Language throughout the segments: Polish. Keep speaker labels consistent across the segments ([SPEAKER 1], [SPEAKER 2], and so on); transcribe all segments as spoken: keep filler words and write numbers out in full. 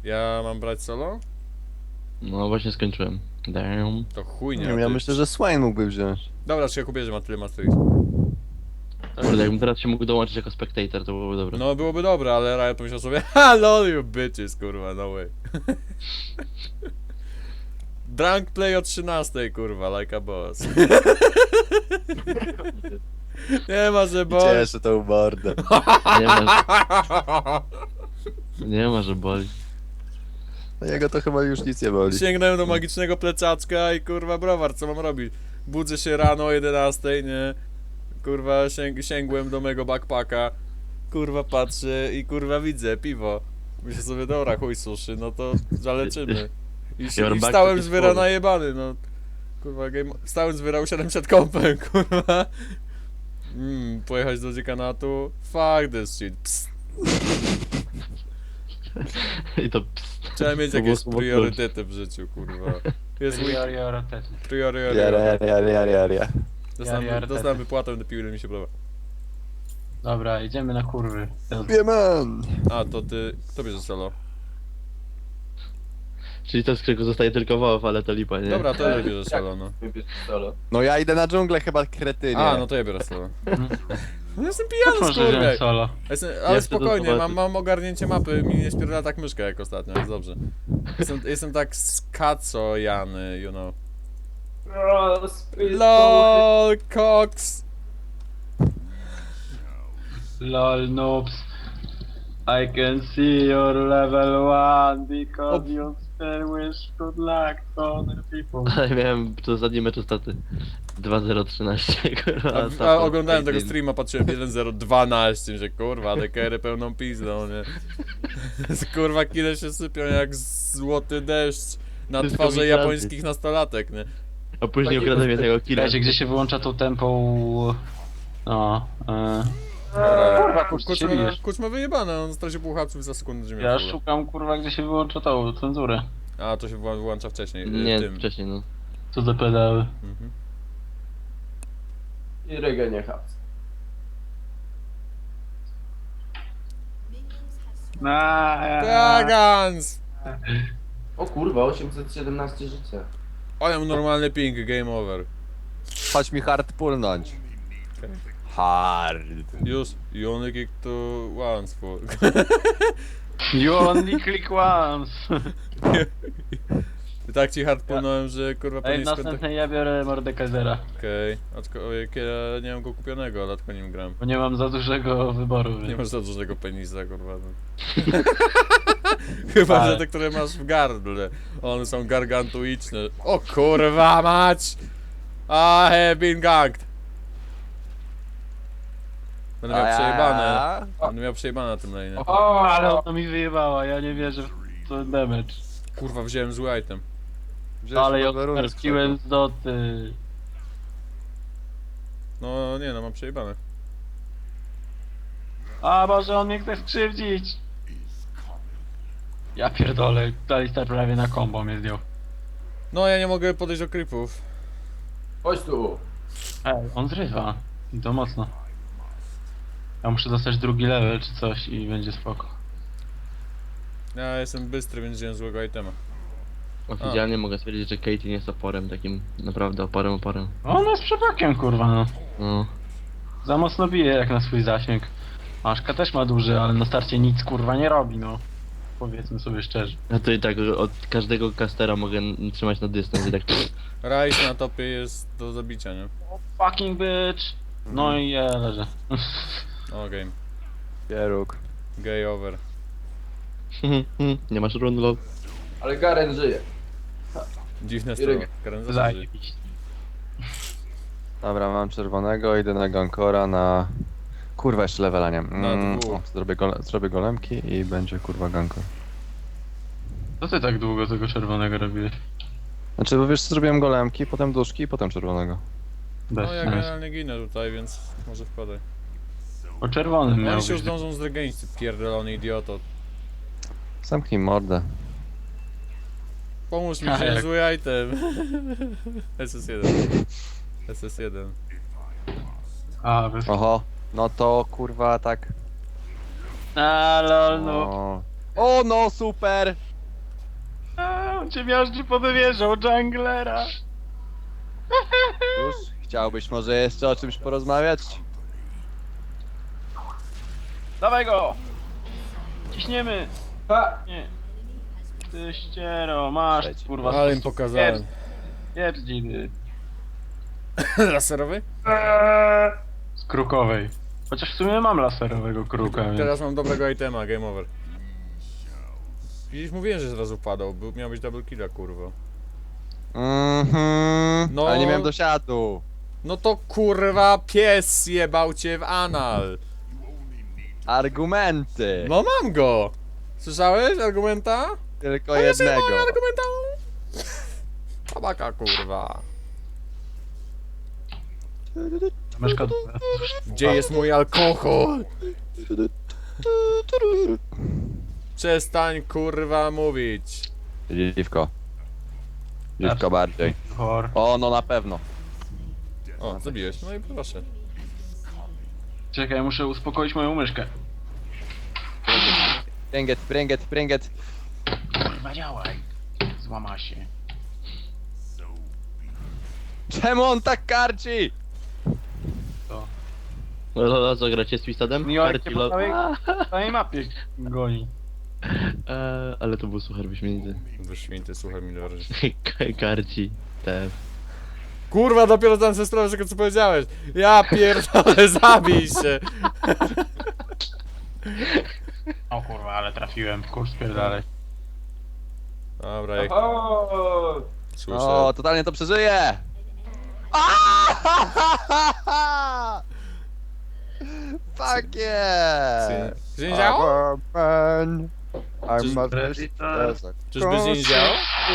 [SPEAKER 1] Ja mam brać solo?
[SPEAKER 2] No właśnie skończyłem. Damn.
[SPEAKER 1] To chuj
[SPEAKER 3] Nie
[SPEAKER 1] nie.
[SPEAKER 3] wiem, ja
[SPEAKER 1] ty.
[SPEAKER 3] myślę, że Swain mógłby wziąć.
[SPEAKER 1] Dobra, czy ja kupię, że ma tyle Matrix.
[SPEAKER 2] Kurde, jakbym teraz się mógł dołączyć jako spectator, to byłoby dobre.
[SPEAKER 1] No byłoby dobre, ale Riot pomyślał sobie ha lol you bitches, kurwa, no way. Drunk play o trzynastej, kurwa, like a boss. Nie ma, że boss.
[SPEAKER 3] Cieszę tą mordę.
[SPEAKER 2] Nie ma, że... Nie ma, że boli.
[SPEAKER 3] No jego to chyba już nic nie boli.
[SPEAKER 1] Sięgnąłem do magicznego plecaczka i kurwa browar, co mam robić? Budzę się rano o jedenastej, nie? Kurwa sięg sięgłem do mego backpacka. Kurwa patrzę i kurwa widzę piwo. Myślę sobie, dobra, chuj suszy, no to zaleczymy. I, się,
[SPEAKER 2] Your
[SPEAKER 1] i
[SPEAKER 2] backpack
[SPEAKER 1] stałem
[SPEAKER 2] is
[SPEAKER 1] z wyra
[SPEAKER 2] full.
[SPEAKER 1] najebany, no. Kurwa, game... stałem z wyra usiadłem przed kompem, kurwa. Mm, pojechać do dziekanatu? Fuck this shit, psst.
[SPEAKER 2] I to pst.
[SPEAKER 1] Trzeba mieć
[SPEAKER 2] To było
[SPEAKER 1] jakieś
[SPEAKER 2] słowo
[SPEAKER 1] priorytety w życiu, kurwa. Jest week...
[SPEAKER 4] Priorytety.
[SPEAKER 1] Priory,
[SPEAKER 3] Ja, ja, ja, ja, ja, ja.
[SPEAKER 1] Dostałem,
[SPEAKER 4] Priorytety.
[SPEAKER 1] dostałem wypłatę do piły, ile mi się podoba.
[SPEAKER 4] Dobra, idziemy na kurwy.
[SPEAKER 3] Wieman!
[SPEAKER 1] A, to ty... Kto bierze solo?
[SPEAKER 2] Czyli to z którego zostaje tylko Wolf, ale to lipa, nie?
[SPEAKER 1] Dobra, to ja bierze solo, no.
[SPEAKER 3] No ja idę na dżunglę chyba, kretynie.
[SPEAKER 1] A, no to ja biorę solo. No jestem pijany,
[SPEAKER 4] Może
[SPEAKER 1] skurwiel.
[SPEAKER 4] wziąć solo.
[SPEAKER 1] Jestem, ale
[SPEAKER 2] Ja chcę
[SPEAKER 1] spokojnie,
[SPEAKER 2] to
[SPEAKER 1] mam,
[SPEAKER 2] zobaczyć.
[SPEAKER 1] mam ogarnięcie mapy, mi nie spierdala tak myszka jak ostatnio, jest dobrze. Jestem, jestem tak skacojany, you know. LOL, Cox!
[SPEAKER 4] Lol noobs. I can see your level one because
[SPEAKER 1] Op.
[SPEAKER 4] you still wish good luck to other people.
[SPEAKER 2] Ale miałem w ostatnim meczu staty dwa zero trzynaście, kurwa.
[SPEAKER 1] A, a
[SPEAKER 2] support
[SPEAKER 1] oglądałem tego
[SPEAKER 2] eighteen.
[SPEAKER 1] streama, patrzyłem jeden zero dwanaście, że kurwa, dekery pełną pizdą, nie? Kurwa, kile się sypią jak złoty deszcz na
[SPEAKER 2] Wszystko
[SPEAKER 1] twarze
[SPEAKER 2] migranty.
[SPEAKER 1] japońskich nastolatek, nie?
[SPEAKER 2] A później ukradłem jednego killa.
[SPEAKER 4] Wiecie, gdzie się wyłącza tą tempą... No, e...
[SPEAKER 1] Dobra,
[SPEAKER 4] kurczę, się
[SPEAKER 1] Kuczma,
[SPEAKER 4] bijesz.
[SPEAKER 1] Kuczma wyjebane, on stracił pół hapsów za sekundę ziemię.
[SPEAKER 4] Ja szukam kurwa, gdzie się wyłącza tą cenzurę.
[SPEAKER 1] A, to się wła- włącza wcześniej, y,
[SPEAKER 2] Nie,
[SPEAKER 1] w tym.
[SPEAKER 2] wcześniej no.
[SPEAKER 4] Co za pedały.
[SPEAKER 1] Mhm.
[SPEAKER 5] I regenie haps.
[SPEAKER 1] Dragons!
[SPEAKER 5] O kurwa, osiemset siedemnaście życia.
[SPEAKER 1] O, ja mam normalny ping, game over.
[SPEAKER 3] Chodź mi hard pulnąć.
[SPEAKER 1] Okej.
[SPEAKER 3] Hard.
[SPEAKER 1] Już, you only kick to once for...
[SPEAKER 4] You only click once.
[SPEAKER 1] I tak ci hard płynąłem, że kurwa
[SPEAKER 4] Ej,
[SPEAKER 1] pewnie skąd...
[SPEAKER 4] następnej ja biorę Mordekaisera,
[SPEAKER 1] Okej, aczkolwiek ja nie mam go kupionego, dlatego nim gram.
[SPEAKER 4] bo nie mam za dużego wyboru.
[SPEAKER 1] Nie
[SPEAKER 4] Więc...
[SPEAKER 1] masz za dużego penisa, kurwa. No. Chyba,
[SPEAKER 4] Ale-
[SPEAKER 1] że te, które masz w gardle. One są gargantuiczne. O kurwa mać! I have been ganked. Będę miał przejebane. Będę miał przejebane na tym lane.
[SPEAKER 4] O, ale ona mi wyjebała, ja nie wierzę w ten damage.
[SPEAKER 1] Kurwa, wziąłem zły item.
[SPEAKER 4] Ale ja odparciłem z doty.
[SPEAKER 1] No nie no, mam przejebane.
[SPEAKER 4] A może on mnie chce skrzywdzić. Ja pierdolę, Alistar prawie na combo mnie zdjął.
[SPEAKER 1] No ja nie mogę podejść do creepów.
[SPEAKER 5] Chodź tu.
[SPEAKER 4] Ej, on zrywa. I to mocno. Ja muszę dostać drugi level czy coś i będzie spoko.
[SPEAKER 1] Ja jestem bystry, więc wziąłem złego itema.
[SPEAKER 2] Oficjalnie mogę stwierdzić, że Katie nie jest oporem, takim naprawdę oporem, oporem.
[SPEAKER 4] On jest przepakiem kurwa no.
[SPEAKER 2] No.
[SPEAKER 4] Za mocno bije jak na swój zasięg. Aszka też ma duży, ale na starcie nic kurwa nie robi no. Powiedzmy sobie szczerze.
[SPEAKER 2] Ja to i tak od każdego castera mogę n- trzymać na dystans i tak...
[SPEAKER 1] Rice na topie jest do zabicia, nie?
[SPEAKER 4] Fucking bitch! No i ja leżę.
[SPEAKER 1] O, game.
[SPEAKER 3] Pieróg.
[SPEAKER 1] Gay over.
[SPEAKER 2] Nie masz run, lol.
[SPEAKER 5] Ale Garen żyje.
[SPEAKER 1] Dziwne
[SPEAKER 5] Irek.
[SPEAKER 1] strono. Karen zawsze żyje.
[SPEAKER 4] Zajebiście.
[SPEAKER 3] Dobra, mam czerwonego, idę na gankora na... Kurwa, jeszcze levela nie.
[SPEAKER 1] Na
[SPEAKER 3] Mm,
[SPEAKER 1] dwóch.
[SPEAKER 3] o, zrobię, gole... zrobię golemki i będzie kurwa gankor.
[SPEAKER 4] Co ty tak długo tego czerwonego robiłeś?
[SPEAKER 3] Znaczy, bo wiesz, zrobiłem golemki, potem duszki i potem czerwonego.
[SPEAKER 4] Bez
[SPEAKER 1] No ja
[SPEAKER 4] sensu.
[SPEAKER 1] generalnie ginę tutaj, więc może wpadaj.
[SPEAKER 4] O czerwonym miał
[SPEAKER 1] Oni się już
[SPEAKER 4] być.
[SPEAKER 1] zdążą zregenić, ty pierdolony idioto.
[SPEAKER 3] Zamknij mordę.
[SPEAKER 1] Pomóż mi,
[SPEAKER 4] A,
[SPEAKER 1] wziąłem
[SPEAKER 4] jak-
[SPEAKER 1] zły item. S S jeden. S S jeden.
[SPEAKER 4] A, bez...
[SPEAKER 3] Oho, no to kurwa tak...
[SPEAKER 4] A, lol, no.
[SPEAKER 3] O, o no, super!
[SPEAKER 4] On cię miażdży podewierzał, junglera.
[SPEAKER 3] Już? Chciałbyś może jeszcze o czymś porozmawiać?
[SPEAKER 4] Dawaj go! Ciśniemy!
[SPEAKER 5] Ha!
[SPEAKER 4] Nie. Ty ściero, masz
[SPEAKER 3] Leci.
[SPEAKER 4] kurwa.
[SPEAKER 1] Ale im pokazałem.
[SPEAKER 4] Pierdziny.
[SPEAKER 1] Laserowy?
[SPEAKER 4] Z krukowej. Chociaż w sumie mam laserowego kruka, więc...
[SPEAKER 1] Teraz mam dobrego itema, game over. Widzisz, mówiłem, że zrazu padał, był, miał być double killa, kurwa.
[SPEAKER 3] Mhm.
[SPEAKER 1] No.
[SPEAKER 3] Ale nie miałem dosiadu.
[SPEAKER 1] No to kurwa pies jebał cię w anal.
[SPEAKER 3] Argumenty.
[SPEAKER 1] No mam go! Słyszałeś argumenta?
[SPEAKER 3] Tylko
[SPEAKER 1] A ja się
[SPEAKER 3] jednego.
[SPEAKER 1] boję argumenta. Tabaka, kurwa.
[SPEAKER 4] Myszka...
[SPEAKER 1] Gdzie jest mój alkohol? Przestań kurwa mówić.
[SPEAKER 3] Dziwko. Dziwko bardziej.
[SPEAKER 4] Chor.
[SPEAKER 3] O, no na pewno.
[SPEAKER 1] O, zabiłeś, no i proszę.
[SPEAKER 4] Czekaj, muszę uspokoić moją myszkę.
[SPEAKER 3] Pringet, pringet, pringet.
[SPEAKER 4] Kurwa, działaj. Złama się.
[SPEAKER 3] Czemu on tak karci?
[SPEAKER 4] To.
[SPEAKER 2] Lola, co gracie z Twistadem?
[SPEAKER 4] Miłek
[SPEAKER 2] Karci
[SPEAKER 4] cię po
[SPEAKER 2] lo-
[SPEAKER 4] całej, całej mapie goni.
[SPEAKER 2] Eee, ale to był suchar wyśmienity.
[SPEAKER 1] Wyśmienity, słuchaj mi dobrze.
[SPEAKER 2] Karci. Te.
[SPEAKER 1] Kurwa, dopiero tam ze strony tego co powiedziałeś. Ja pierdolę, zabij się.
[SPEAKER 4] O kurwa, ale trafiłem. Kurs pierdalej.
[SPEAKER 1] Dobra, jak
[SPEAKER 5] Oho!
[SPEAKER 1] słyszę.
[SPEAKER 3] O, totalnie to przeżyje. Fuck yeah!
[SPEAKER 1] Czy nie działo?
[SPEAKER 3] Burn.
[SPEAKER 1] Czyż-
[SPEAKER 3] I must be
[SPEAKER 1] Czyżby się nie działo?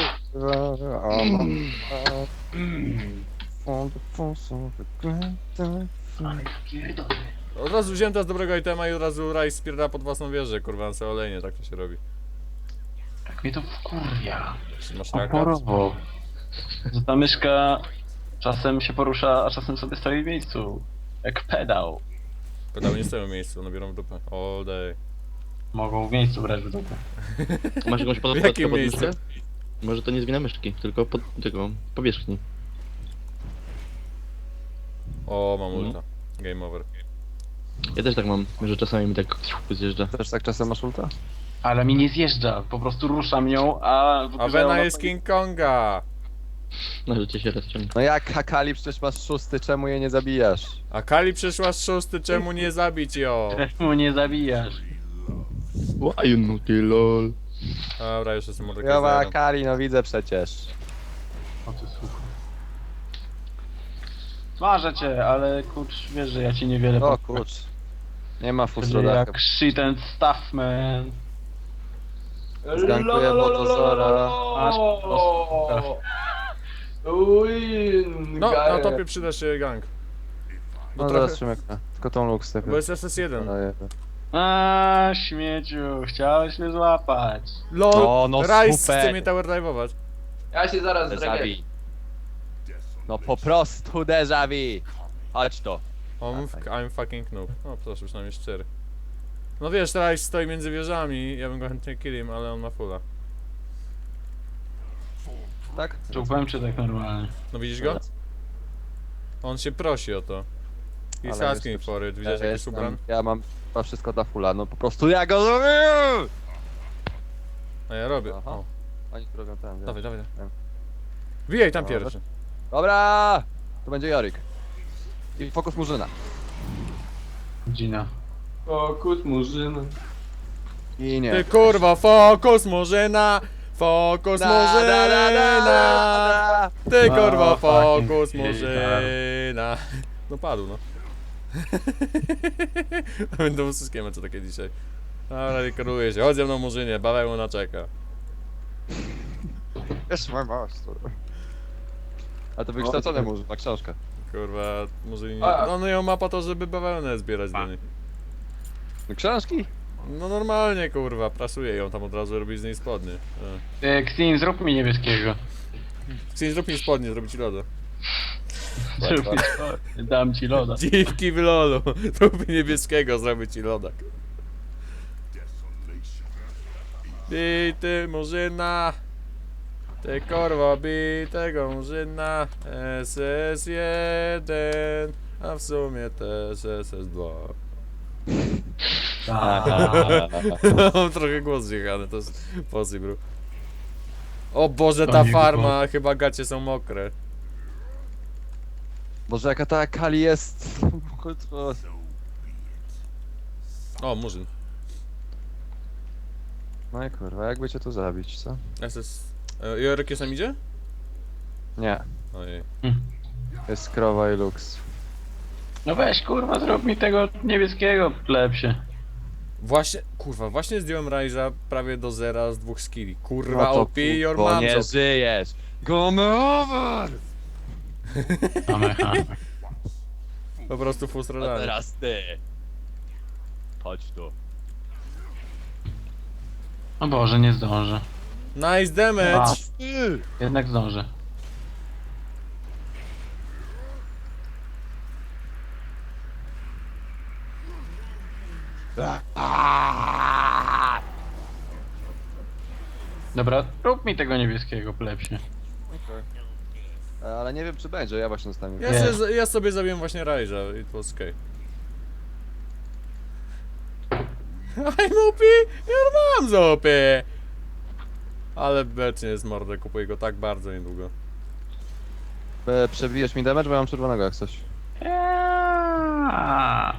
[SPEAKER 1] Od razu wziąłem teraz dobrego itema i od razu Raj spierda pod własną wieżę, kurwa, na sobie olejnie, tak to się robi.
[SPEAKER 4] Jak mnie to wkurwia.
[SPEAKER 1] Czy masz nakaz?
[SPEAKER 4] Oporowo. Że ta myszka czasem się porusza, a czasem sobie stoi w miejscu. Jak pedał.
[SPEAKER 1] Pedały nie stoją w miejscu, nabiorą w dupę. All day.
[SPEAKER 4] Mogą w miejscu brać w dupę.
[SPEAKER 2] Masz jakąś
[SPEAKER 1] W
[SPEAKER 2] podkładkę
[SPEAKER 1] jakim
[SPEAKER 2] pod
[SPEAKER 1] miejscu?
[SPEAKER 2] myszkę? Może to nie z wina myszki, tylko pod tego powierzchni.
[SPEAKER 1] O, mam
[SPEAKER 2] Mhm.
[SPEAKER 1] ulta. Game over.
[SPEAKER 2] Ja też tak mam, że czasami mi tak zjeżdża.
[SPEAKER 3] Też tak czasem masz ulta?
[SPEAKER 4] Ale mi nie zjeżdża, po prostu ruszam ją, a... w
[SPEAKER 1] A
[SPEAKER 4] grze
[SPEAKER 1] Vena
[SPEAKER 4] ona
[SPEAKER 1] jest King Konga!
[SPEAKER 2] Na życie się rozciąga.
[SPEAKER 3] No jak Hakali przecież masz szósty, czemu je nie zabijasz?
[SPEAKER 1] A Kali przyszła z szósty, czemu nie zabić ją?
[SPEAKER 4] Czemu nie zabijasz?
[SPEAKER 2] Why no ty lol.
[SPEAKER 1] Dobra, już jestem
[SPEAKER 3] Jowa
[SPEAKER 1] Mordekaiserem.
[SPEAKER 3] Hakali, no widzę przecież.
[SPEAKER 4] O ty słuchaj. Marzę cię, ale kurcz, wiesz, że ja ci niewiele
[SPEAKER 3] O
[SPEAKER 4] powiem.
[SPEAKER 3] kurcz. Nie ma
[SPEAKER 4] Będzie
[SPEAKER 3] fustrodaka.
[SPEAKER 4] jak shit and stuff, man.
[SPEAKER 3] Zgankuję Botozora.
[SPEAKER 4] Masz po prostu
[SPEAKER 5] Uj,
[SPEAKER 1] No, na topie przyda się gang. Bo
[SPEAKER 3] No
[SPEAKER 1] trochę...
[SPEAKER 3] zaraz Szymek, tylko tą Lux
[SPEAKER 1] Bo jest S S jeden.
[SPEAKER 4] A śmieciu, chciałeś mnie złapać.
[SPEAKER 1] LOL!
[SPEAKER 3] O, no
[SPEAKER 1] Rice
[SPEAKER 3] super.
[SPEAKER 1] chce mnie tower dive'ować.
[SPEAKER 5] Ja się zaraz
[SPEAKER 3] Déjà
[SPEAKER 5] zregeneruję.
[SPEAKER 3] vu. No po prostu déjà vu. Chodź to.
[SPEAKER 1] I'm, I'm fucking noob. O, proszę, przynajmniej szczery. No wiesz, Rice stoi między wieżami, ja bym go chętnie killim, ale on ma fulla.
[SPEAKER 3] Tak?
[SPEAKER 4] Czupłem czy tak normalnie?
[SPEAKER 1] No widzisz go? On się prosi o to. He's
[SPEAKER 3] Ale
[SPEAKER 1] asking
[SPEAKER 3] jest-
[SPEAKER 1] for it, widziałeś
[SPEAKER 3] Ja,
[SPEAKER 1] jaki jest
[SPEAKER 3] jestem,
[SPEAKER 1] ubran?
[SPEAKER 3] ja mam chyba wszystko dla fulla, no po prostu ja go zrobię!
[SPEAKER 1] A ja robię.
[SPEAKER 3] Aha.
[SPEAKER 1] O,
[SPEAKER 3] Oni tu robią tam,
[SPEAKER 1] dawaj,
[SPEAKER 3] wiem.
[SPEAKER 1] dawaj.
[SPEAKER 3] Wiem.
[SPEAKER 1] Wijaj tam
[SPEAKER 3] Dobra.
[SPEAKER 1] pierwszy.
[SPEAKER 3] Dobra! To będzie Jorik. I fokus Murzyna.
[SPEAKER 4] Gina.
[SPEAKER 5] Fokus murzyna.
[SPEAKER 3] I nie.
[SPEAKER 1] Ty kurwa, fokus Murzyna! Fokus
[SPEAKER 3] Da, da, da, da, da,
[SPEAKER 1] Murzyna!
[SPEAKER 3] da.
[SPEAKER 1] Ty kurwa,
[SPEAKER 4] O, fucking
[SPEAKER 1] fokus
[SPEAKER 4] shit,
[SPEAKER 1] Murzyna! No padł, no. Będą wszystkie mecze takie dzisiaj. Dobra, dekoruje się. Chodź ze mną Murzynie, bawełna czeka.
[SPEAKER 3] Jest mój master. A to wykształcony Murzyn, ma książkę.
[SPEAKER 1] Kurwa, Murzyni...
[SPEAKER 5] A.
[SPEAKER 1] No, no ją ma po to, żeby bawełnę zbierać do niej.
[SPEAKER 3] No książki?
[SPEAKER 1] No normalnie, kurwa, prasuje ją tam od razu, robi z niej spodnie. E.
[SPEAKER 4] E, Xin, zrób mi niebieskiego.
[SPEAKER 1] Chcesz zrób mi spodnie, zrobić loda.
[SPEAKER 4] Zrób mi to. Dam ci loda.
[SPEAKER 1] Dziwki w lolu. Zrób mi niebieskiego, zrobię ci lodak. Ty, ty, Murzyna. Ty korwo bij tego murzyna, S S jeden, a w sumie też S S dwa. Mam trochę głos zjechany, to jest possible. O Boże,
[SPEAKER 4] To
[SPEAKER 1] ta
[SPEAKER 4] nie
[SPEAKER 1] farma, chyba gacie są mokre.
[SPEAKER 3] Boże, jaka ta Kali jest. Kurwa.
[SPEAKER 1] O, murzyn.
[SPEAKER 3] No i kurwa, jakby cię tu zabić, co?
[SPEAKER 1] S S... E, Jorek jest tam idzie?
[SPEAKER 3] Nie,
[SPEAKER 1] Ojej.
[SPEAKER 3] jest krowa i luks.
[SPEAKER 4] No weź kurwa, zrób mi tego niebieskiego plepsie.
[SPEAKER 1] Właśnie, kurwa, właśnie zdjąłem Ryza prawie do zera z dwóch skilli. Kurwa,
[SPEAKER 3] No to
[SPEAKER 1] O P your
[SPEAKER 3] kurwo,
[SPEAKER 1] manzo.
[SPEAKER 3] nie żyjesz! Game over!
[SPEAKER 4] Amecha.
[SPEAKER 1] Po prostu
[SPEAKER 3] A
[SPEAKER 1] frustradany.
[SPEAKER 3] teraz ty! Chodź tu.
[SPEAKER 4] O Boże, nie zdążę.
[SPEAKER 1] Nice damage!
[SPEAKER 4] A, jednak zdążę. Dobra, rób mi tego niebieskiego plepsie.
[SPEAKER 3] Ale nie wiem czy będzie, ja właśnie zostawię.
[SPEAKER 1] Ja,
[SPEAKER 4] Nie.
[SPEAKER 1] sobie, ja sobie zabiłem właśnie Ryza, it was okay. I'm O P, your mom's O P! Ale becznie jest mordę, kupuję go tak bardzo niedługo.
[SPEAKER 3] E, Przebijesz mi damage, bo ja mam czerwonego jak coś.
[SPEAKER 4] Eee.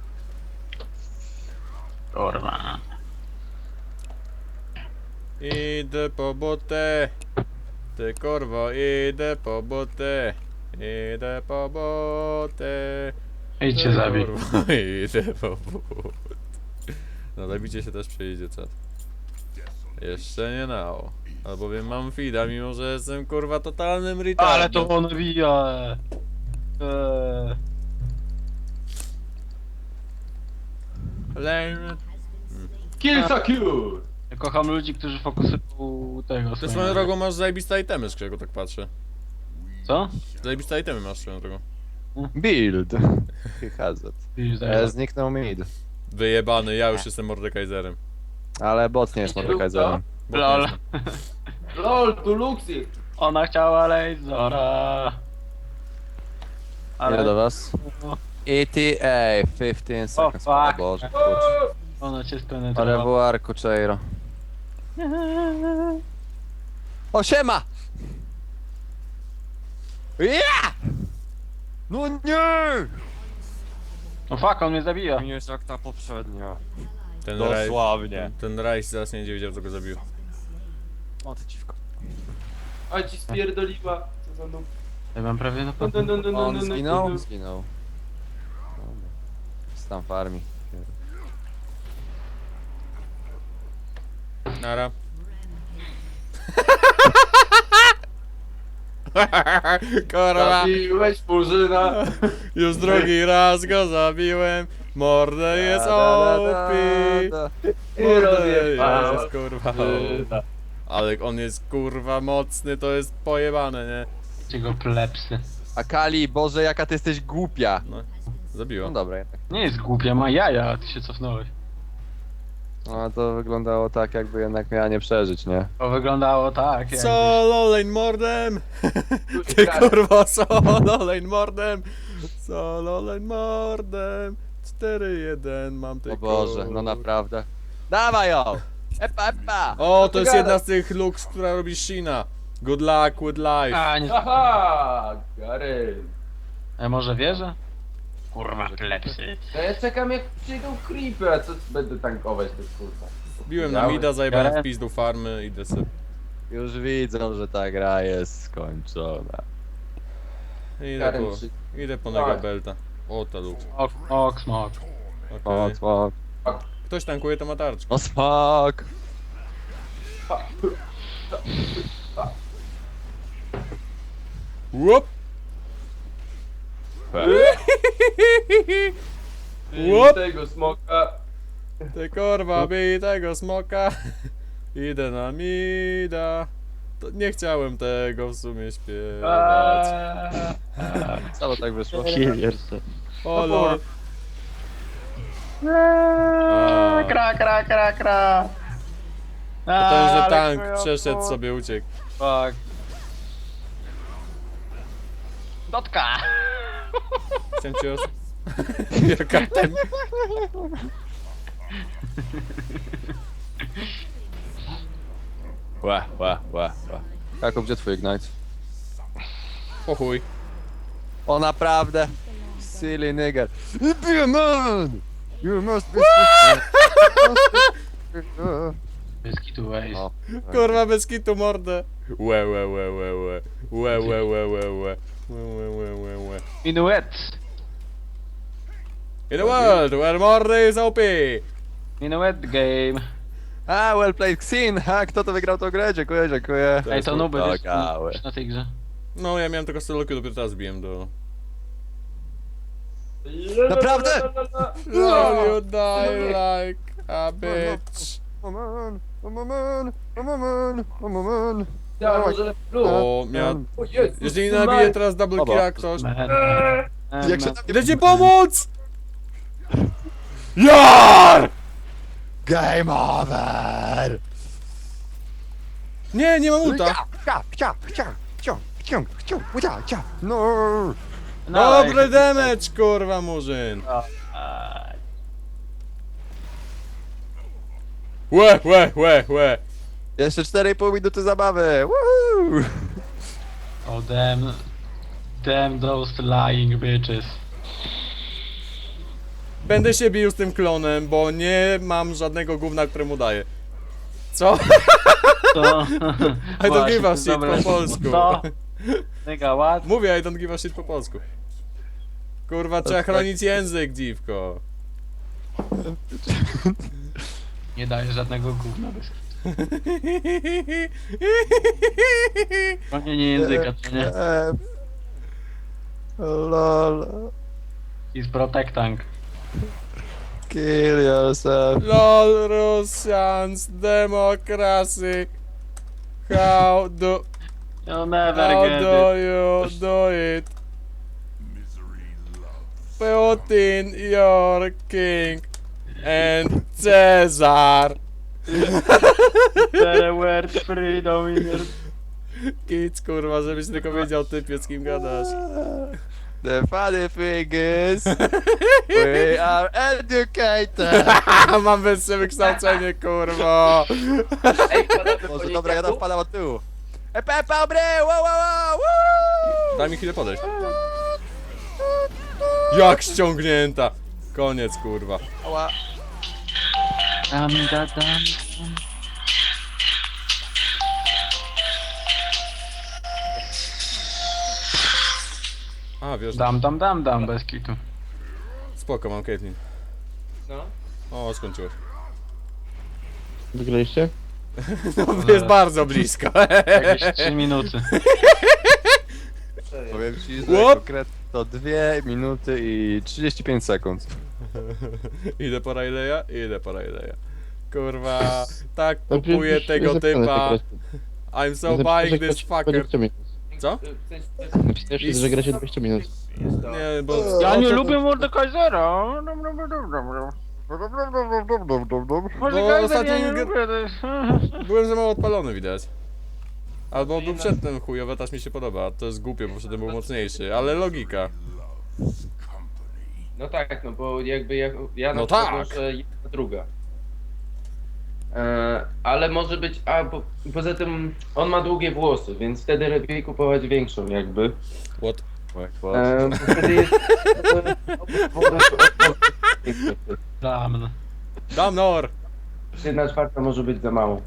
[SPEAKER 4] Kurwa.
[SPEAKER 1] Idę po botę. Ty korwo, idę po botę. Idę po botę.
[SPEAKER 4] Idź się
[SPEAKER 1] Ty
[SPEAKER 4] zabij.
[SPEAKER 1] korwo, idę po botę. No zabicie się też przyjdzie, czat. Jeszcze nie nao. Albowiem mam fida, mimo że jestem kurwa totalnym retardem.
[SPEAKER 4] Ale to on wija. Eee.
[SPEAKER 1] Lame.
[SPEAKER 5] Kill secure!
[SPEAKER 4] Ja kocham ludzi, którzy fokusują tego.
[SPEAKER 1] Ty
[SPEAKER 4] swoją-
[SPEAKER 1] swoją drogą masz zajebiste itemy, z którego tak patrzę.
[SPEAKER 4] Co?
[SPEAKER 1] Zajebiste itemy masz swoją drogą.
[SPEAKER 3] Build! Hazard.
[SPEAKER 4] Widzisz,
[SPEAKER 3] E,
[SPEAKER 4] zaraz.
[SPEAKER 3] zniknął mid.
[SPEAKER 1] Wyjebany, ja już jestem Mordekaiserem.
[SPEAKER 3] Ale bot nie jest Mordekaiserem.
[SPEAKER 1] Bo nie
[SPEAKER 4] Lol.
[SPEAKER 1] jestem.
[SPEAKER 5] LOL, tu Luxy!
[SPEAKER 4] Ona chciała Lasera.
[SPEAKER 3] Ile do was? E T A, fifteen seconds. O
[SPEAKER 4] fuck.
[SPEAKER 3] Boże, kurczę.
[SPEAKER 4] Ona cię
[SPEAKER 3] Ale
[SPEAKER 4] spenetrowała.
[SPEAKER 3] w arku Cheiro. O, siema! Ja! No nie!
[SPEAKER 4] No fuck, on mnie zabija.
[SPEAKER 3] Nie jest jak ta poprzednia.
[SPEAKER 1] Ten raj,
[SPEAKER 3] Dosłownie.
[SPEAKER 1] ten rajs zaraz nie będzie wiedział, co go zabił.
[SPEAKER 3] O, ty dziwko.
[SPEAKER 5] A ci spierdoliła. Co za noob.
[SPEAKER 4] Ja mam prawie na
[SPEAKER 5] No, no, no, no, no,
[SPEAKER 3] On
[SPEAKER 5] no, no,
[SPEAKER 3] zginął?
[SPEAKER 5] no.
[SPEAKER 3] Zginął. Dobra. Jest tam farmi.
[SPEAKER 1] Nara. Kurwa,
[SPEAKER 5] Zabiłeś Murzyna!
[SPEAKER 1] już drugi raz go zabiłem. Mordę jest O P.
[SPEAKER 5] I
[SPEAKER 1] Mordę
[SPEAKER 5] rozjebała.
[SPEAKER 1] jest kurwa O P. Ale on jest kurwa mocny, to jest pojebane, nie?
[SPEAKER 4] Jego plepsy.
[SPEAKER 3] A Kali, Boże, jaka ty jesteś głupia.
[SPEAKER 1] No,
[SPEAKER 3] No
[SPEAKER 1] zabiło.
[SPEAKER 3] dobra, jednak.
[SPEAKER 4] Nie jest głupia, ma jaja, a ty się cofnąłeś.
[SPEAKER 3] No to wyglądało tak, jakby jednak miała nie przeżyć, nie?
[SPEAKER 4] To wyglądało tak, jak...
[SPEAKER 1] Solo lane mordem! Ty kurwa solo lane mordem! Solo lane mordem! cztery jeden mam
[SPEAKER 3] O
[SPEAKER 1] tylko.
[SPEAKER 3] Boże, no naprawdę. Dawaj ją! Epa, epa!
[SPEAKER 1] O, to jest
[SPEAKER 5] Ty
[SPEAKER 1] jedna
[SPEAKER 5] gadasz.
[SPEAKER 1] z tych looks, która robi Shina. Good luck with life.
[SPEAKER 4] A, nie...
[SPEAKER 5] Haha! Gary!
[SPEAKER 4] A może wierzę? Kurwa, plepsy.
[SPEAKER 5] No ja czekam jak przyjdą creepy, a co będę tankować te kurwa.
[SPEAKER 1] Biłem na mida, zajebałem w pizdu farmy, idę sobie.
[SPEAKER 3] Już widzą, że ta gra jest skończona.
[SPEAKER 1] Idę
[SPEAKER 5] Karen,
[SPEAKER 1] po,
[SPEAKER 5] czy-
[SPEAKER 1] idę po
[SPEAKER 5] Tak.
[SPEAKER 1] Nega Belta. O, to look.
[SPEAKER 4] Ok, ok, smok.
[SPEAKER 1] Okej.
[SPEAKER 3] O, smok.
[SPEAKER 1] Ktoś tankuje to ma tarczkę.
[SPEAKER 3] O, smok!
[SPEAKER 1] Łup!
[SPEAKER 5] Bij
[SPEAKER 1] Łop!
[SPEAKER 5] tego smoka.
[SPEAKER 1] Ty kurwa, bij tego smoka. Idę na mida. To nie chciałem tego w sumie śpiewać.
[SPEAKER 4] Eee,
[SPEAKER 3] Co tak wyszło?
[SPEAKER 2] Kill yourself.
[SPEAKER 1] O lol.
[SPEAKER 4] eee, Kra, kra, kra, kra.
[SPEAKER 1] Potężny
[SPEAKER 4] ale
[SPEAKER 1] tank
[SPEAKER 4] chujowo.
[SPEAKER 1] przeszedł sobie, uciekł.
[SPEAKER 4] Fuck. Dotka!
[SPEAKER 1] Chciałem cię os... Jaka ten... Ła, ła, ła, ła.
[SPEAKER 3] Jakub, gdzie twój Ignite?
[SPEAKER 1] O chuj.
[SPEAKER 3] O naprawdę! Silly nigger. Be a man! You must be...
[SPEAKER 4] Bez kitu waste.
[SPEAKER 3] O,
[SPEAKER 1] Kurwa, bez kitu mordę. Łe, łe, łe, łe, łe. Łe, łe, łe, łe, łe. Łe, łe, łe, łe, łe.
[SPEAKER 4] Minuet!
[SPEAKER 1] In a world where mordy is O P.
[SPEAKER 4] Minuet game.
[SPEAKER 3] A, well played, Xin! Ha, kto to wygrał tą grę? Dziękuję, dziękuję.
[SPEAKER 4] Ej, to nuby wiesz,
[SPEAKER 3] Dogały.
[SPEAKER 4] na tej grze.
[SPEAKER 1] No, ja miałem tylko solokę, dopiero teraz biłem do...
[SPEAKER 3] Naprawdę?
[SPEAKER 1] Lol, you die like a bitch.
[SPEAKER 3] Oh man, oh man, oh man, oh man.
[SPEAKER 5] Ja, może plus.
[SPEAKER 1] O, miał...
[SPEAKER 5] O Jezus,
[SPEAKER 1] Jeżeli
[SPEAKER 5] ty
[SPEAKER 1] nabije
[SPEAKER 5] ma-
[SPEAKER 1] teraz double
[SPEAKER 3] Oba.
[SPEAKER 1] killa ktoś...
[SPEAKER 4] Man.
[SPEAKER 3] Jak się
[SPEAKER 4] Man.
[SPEAKER 3] tam
[SPEAKER 1] Idę ci pomóc! JAR!
[SPEAKER 3] Game over!
[SPEAKER 1] Nie, nie mam ulta.
[SPEAKER 3] Chcia, chcia, chcia, chcia, chcia, chcia, chcia, chcia. No!
[SPEAKER 4] No,
[SPEAKER 1] Dobry
[SPEAKER 4] jak-
[SPEAKER 1] damage, kurwa, murzyn.
[SPEAKER 4] Aj.
[SPEAKER 1] Łe, łe, łe, łe.
[SPEAKER 3] Jeszcze cztery i pół minuty zabawy! Woohoo!
[SPEAKER 4] Oh damn. Damn those lying bitches.
[SPEAKER 1] Będę się bił z tym klonem, bo nie mam żadnego gówna, któremu daję. Co?
[SPEAKER 4] To...
[SPEAKER 1] I don't
[SPEAKER 4] Właśnie,
[SPEAKER 1] give a
[SPEAKER 4] to
[SPEAKER 1] shit
[SPEAKER 4] dobre.
[SPEAKER 1] po polsku.
[SPEAKER 4] Co? Nigga, what?
[SPEAKER 1] Mówię, I don't give a shit po polsku. Kurwa, trzeba chronić język, dziwko.
[SPEAKER 4] Nie daje żadnego gówna bez Chronienie języka, to nie?
[SPEAKER 3] Eee, Lol.
[SPEAKER 4] He's protecting.
[SPEAKER 3] Kill yourself.
[SPEAKER 1] LOL, Russians, democracy. How do,
[SPEAKER 4] You'll never
[SPEAKER 1] how
[SPEAKER 4] get
[SPEAKER 1] do
[SPEAKER 4] it.
[SPEAKER 1] you do it? Putin, your king, and Caesar.
[SPEAKER 4] The word freedom in your...
[SPEAKER 1] Kic, kurwa, żebyś tylko wiedział, typie, z kim gadasz.
[SPEAKER 3] The funny thing is, we are educated.
[SPEAKER 1] Mam wyższe wykształcenie, kurwa.
[SPEAKER 5] Ej, panowie,
[SPEAKER 3] Może
[SPEAKER 5] po
[SPEAKER 3] dobra, ja tam
[SPEAKER 5] niedziałku?
[SPEAKER 3] wpadam od tyłu. E, Pepe, obry! Wow, wow, wow! Woo!
[SPEAKER 1] Daj mi chwilę podejść. Jak ściągnięta. Koniec, kurwa.
[SPEAKER 3] Ała.
[SPEAKER 4] Dam, da, dam.
[SPEAKER 1] A, wiesz,
[SPEAKER 4] Dam, dam, dam, dam, bez kitu.
[SPEAKER 1] spoko, mam Caitlyn.
[SPEAKER 5] No.
[SPEAKER 1] O, skończyłeś.
[SPEAKER 2] Wygraliście?
[SPEAKER 1] No, jest bardzo blisko.
[SPEAKER 4] Jakieś trzy minuty.
[SPEAKER 3] Powiem ci, że
[SPEAKER 1] Łop.
[SPEAKER 3] konkretnie to dwie minuty i trzydzieści pięć sekund.
[SPEAKER 1] Idę po Rayleigha? Idę po Rayleigha. Kurwa, tak
[SPEAKER 2] No,
[SPEAKER 1] kupuję
[SPEAKER 2] przecież
[SPEAKER 1] tego
[SPEAKER 2] jest zapisane,
[SPEAKER 1] typa.
[SPEAKER 2] że gracie-
[SPEAKER 1] I'm so
[SPEAKER 2] napisane, że
[SPEAKER 1] buying this
[SPEAKER 2] gracie
[SPEAKER 1] fucker.
[SPEAKER 2] dwadzieścia minut.
[SPEAKER 1] Co?
[SPEAKER 2] Napisałeś, że gracie dwadzieścia minut.
[SPEAKER 1] Nie, bo...
[SPEAKER 4] Ja
[SPEAKER 1] o,
[SPEAKER 4] nie
[SPEAKER 1] to-
[SPEAKER 4] lubię Mordekaisera. Mordekaiser,
[SPEAKER 1] ostatnio
[SPEAKER 4] ja nie
[SPEAKER 1] nie-
[SPEAKER 4] lubię. to jest-
[SPEAKER 1] Byłem za mało odpalony, widać. Albo był przedtem chujowy, też mi się podoba. To jest głupie, bo przedtem był mocniejszy, ale logika.
[SPEAKER 5] No tak, no bo jakby ja, ja na
[SPEAKER 1] No
[SPEAKER 5] przykład
[SPEAKER 1] tak.
[SPEAKER 5] może jedna druga. E, ale może być, a bo, poza tym on ma długie włosy, więc wtedy lepiej kupować większą jakby.
[SPEAKER 1] What?
[SPEAKER 5] E, bo wtedy jest...
[SPEAKER 4] Dam.
[SPEAKER 1] Damnor!
[SPEAKER 5] Jedna czwarta może być za mało.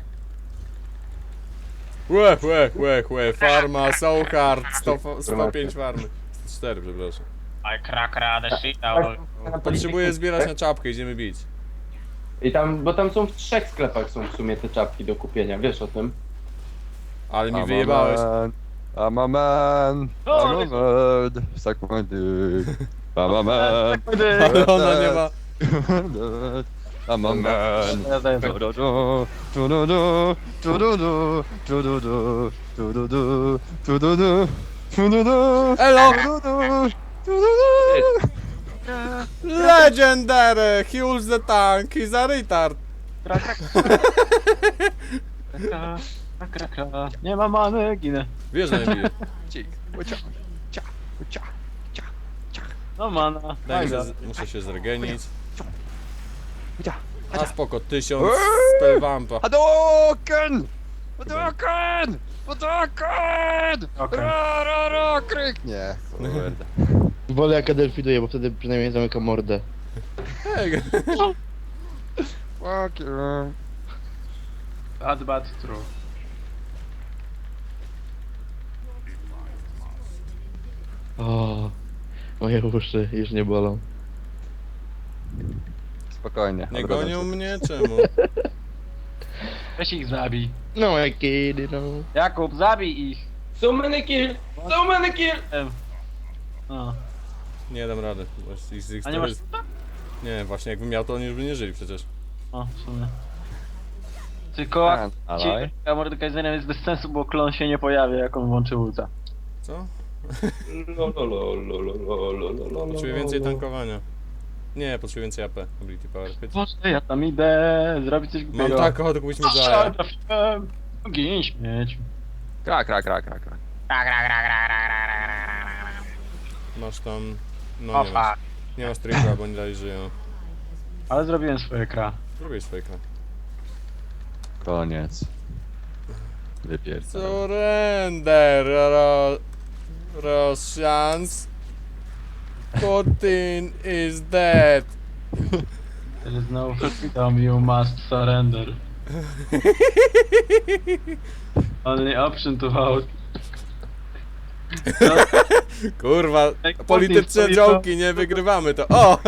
[SPEAKER 1] Łe, łe, łe, łe, farma, so hard, sto, sto pięć farmy. sto cztery, przepraszam.
[SPEAKER 4] I crack the shit out.
[SPEAKER 1] Potrzebuję zbierać na czapkę, idziemy bić.
[SPEAKER 5] I tam, bo tam są w trzech sklepach są w sumie te czapki do kupienia, wiesz o tym?
[SPEAKER 1] Ale mi
[SPEAKER 3] I'm a
[SPEAKER 1] wyjebałeś.
[SPEAKER 3] man, I'm a man, I'm a bird, suck my dick. I'm a man,
[SPEAKER 1] Ale ona nie ma...
[SPEAKER 3] I'm a man. Du-du-du, du-du-du, du-du-du, du-du-du, du-du-du, du-du-du, du-du-du,
[SPEAKER 1] Elo!
[SPEAKER 3] du-du-du, du-du-du.
[SPEAKER 1] Legendary! He holds the tank, he's a retard.
[SPEAKER 4] Kra, kra, kra, kra. Nie ma many, ginę.
[SPEAKER 1] Wiesz, że nie bije.
[SPEAKER 3] Cik, cia, cia, cia.
[SPEAKER 4] No mana.
[SPEAKER 1] Daj mi
[SPEAKER 4] Fajna.
[SPEAKER 1] się, muszę się zregenić.
[SPEAKER 3] Cia.
[SPEAKER 1] A spoko, tysiąc spellvampa.
[SPEAKER 3] Hadouken! Hadouken! Hadouken!
[SPEAKER 4] Okej.
[SPEAKER 3] Ra, ra, ra, kryk! Nie, kurde.
[SPEAKER 2] Wolę jak Adelfiduję, bo wtedy przynajmniej zamykam mordę.
[SPEAKER 1] Ej,
[SPEAKER 3] Fuck you.
[SPEAKER 4] Bad, bad, true.
[SPEAKER 2] O, moje uszy już nie bolą.
[SPEAKER 3] Spokojnie.
[SPEAKER 1] nie
[SPEAKER 3] odrodzę
[SPEAKER 1] gonią
[SPEAKER 3] się.
[SPEAKER 1] mnie? Czemu?
[SPEAKER 4] Weź ich zabij.
[SPEAKER 2] No, my kid, no.
[SPEAKER 4] Jakub, zabij ich.
[SPEAKER 5] So many kill! So many kill!
[SPEAKER 4] Em. O.
[SPEAKER 1] Nie dam rady. Właśnie z ich
[SPEAKER 4] A nie masz...
[SPEAKER 1] Nie, właśnie jakbym miał, to oni już by nie żyli przecież.
[SPEAKER 4] O, w sumie. Tylko
[SPEAKER 3] A, alaj.
[SPEAKER 4] a Mordekaiserem jest bez sensu, bo klon się nie pojawia, jak on włączy ulta.
[SPEAKER 1] Co?
[SPEAKER 5] Lo, lo, lo, lo, lo, lo, lo, lo, lo,
[SPEAKER 1] Potrzebuję
[SPEAKER 5] lo,
[SPEAKER 1] więcej
[SPEAKER 5] lo.
[SPEAKER 1] tankowania. Nie, potrzebuję więcej A P. Ability power. Pyt.
[SPEAKER 4] Boże, ja tam idę, zrobić coś
[SPEAKER 1] Mam
[SPEAKER 4] głupiego.
[SPEAKER 1] tak ochotę kupić
[SPEAKER 4] Strzel,
[SPEAKER 1] Medjaya.
[SPEAKER 4] trafiłem. Gin śmieć.
[SPEAKER 3] Krak, krak, krak, krak, krak.
[SPEAKER 1] Masz tam... No
[SPEAKER 4] O
[SPEAKER 1] nie masz.
[SPEAKER 4] fuck.
[SPEAKER 1] Nie masz trika, bo nie dalej żyją.
[SPEAKER 4] Ale zrobiłem swoje kra.
[SPEAKER 1] Zrobię swoje kra.
[SPEAKER 3] Koniec. Wypierdol.
[SPEAKER 1] Surrender, Ro... Rosjans. Putin is dead.
[SPEAKER 4] There is no freedom, you must surrender. Only option to vote.
[SPEAKER 1] Kurwa,
[SPEAKER 4] Jak
[SPEAKER 1] polityczne
[SPEAKER 4] Putin
[SPEAKER 1] działki, nie wygrywamy to. O!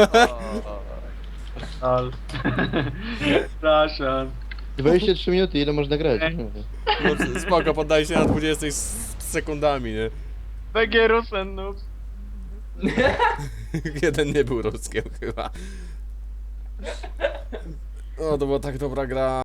[SPEAKER 4] Al. Przepraszam.
[SPEAKER 2] dwadzieścia trzy minuty, ile można grać?
[SPEAKER 1] No, spoko, poddaj się na dwudziestu s- sekundami, nie?
[SPEAKER 4] B G Rusen noob.
[SPEAKER 1] Jeden nie był ruskiem chyba. O, to była tak dobra gra.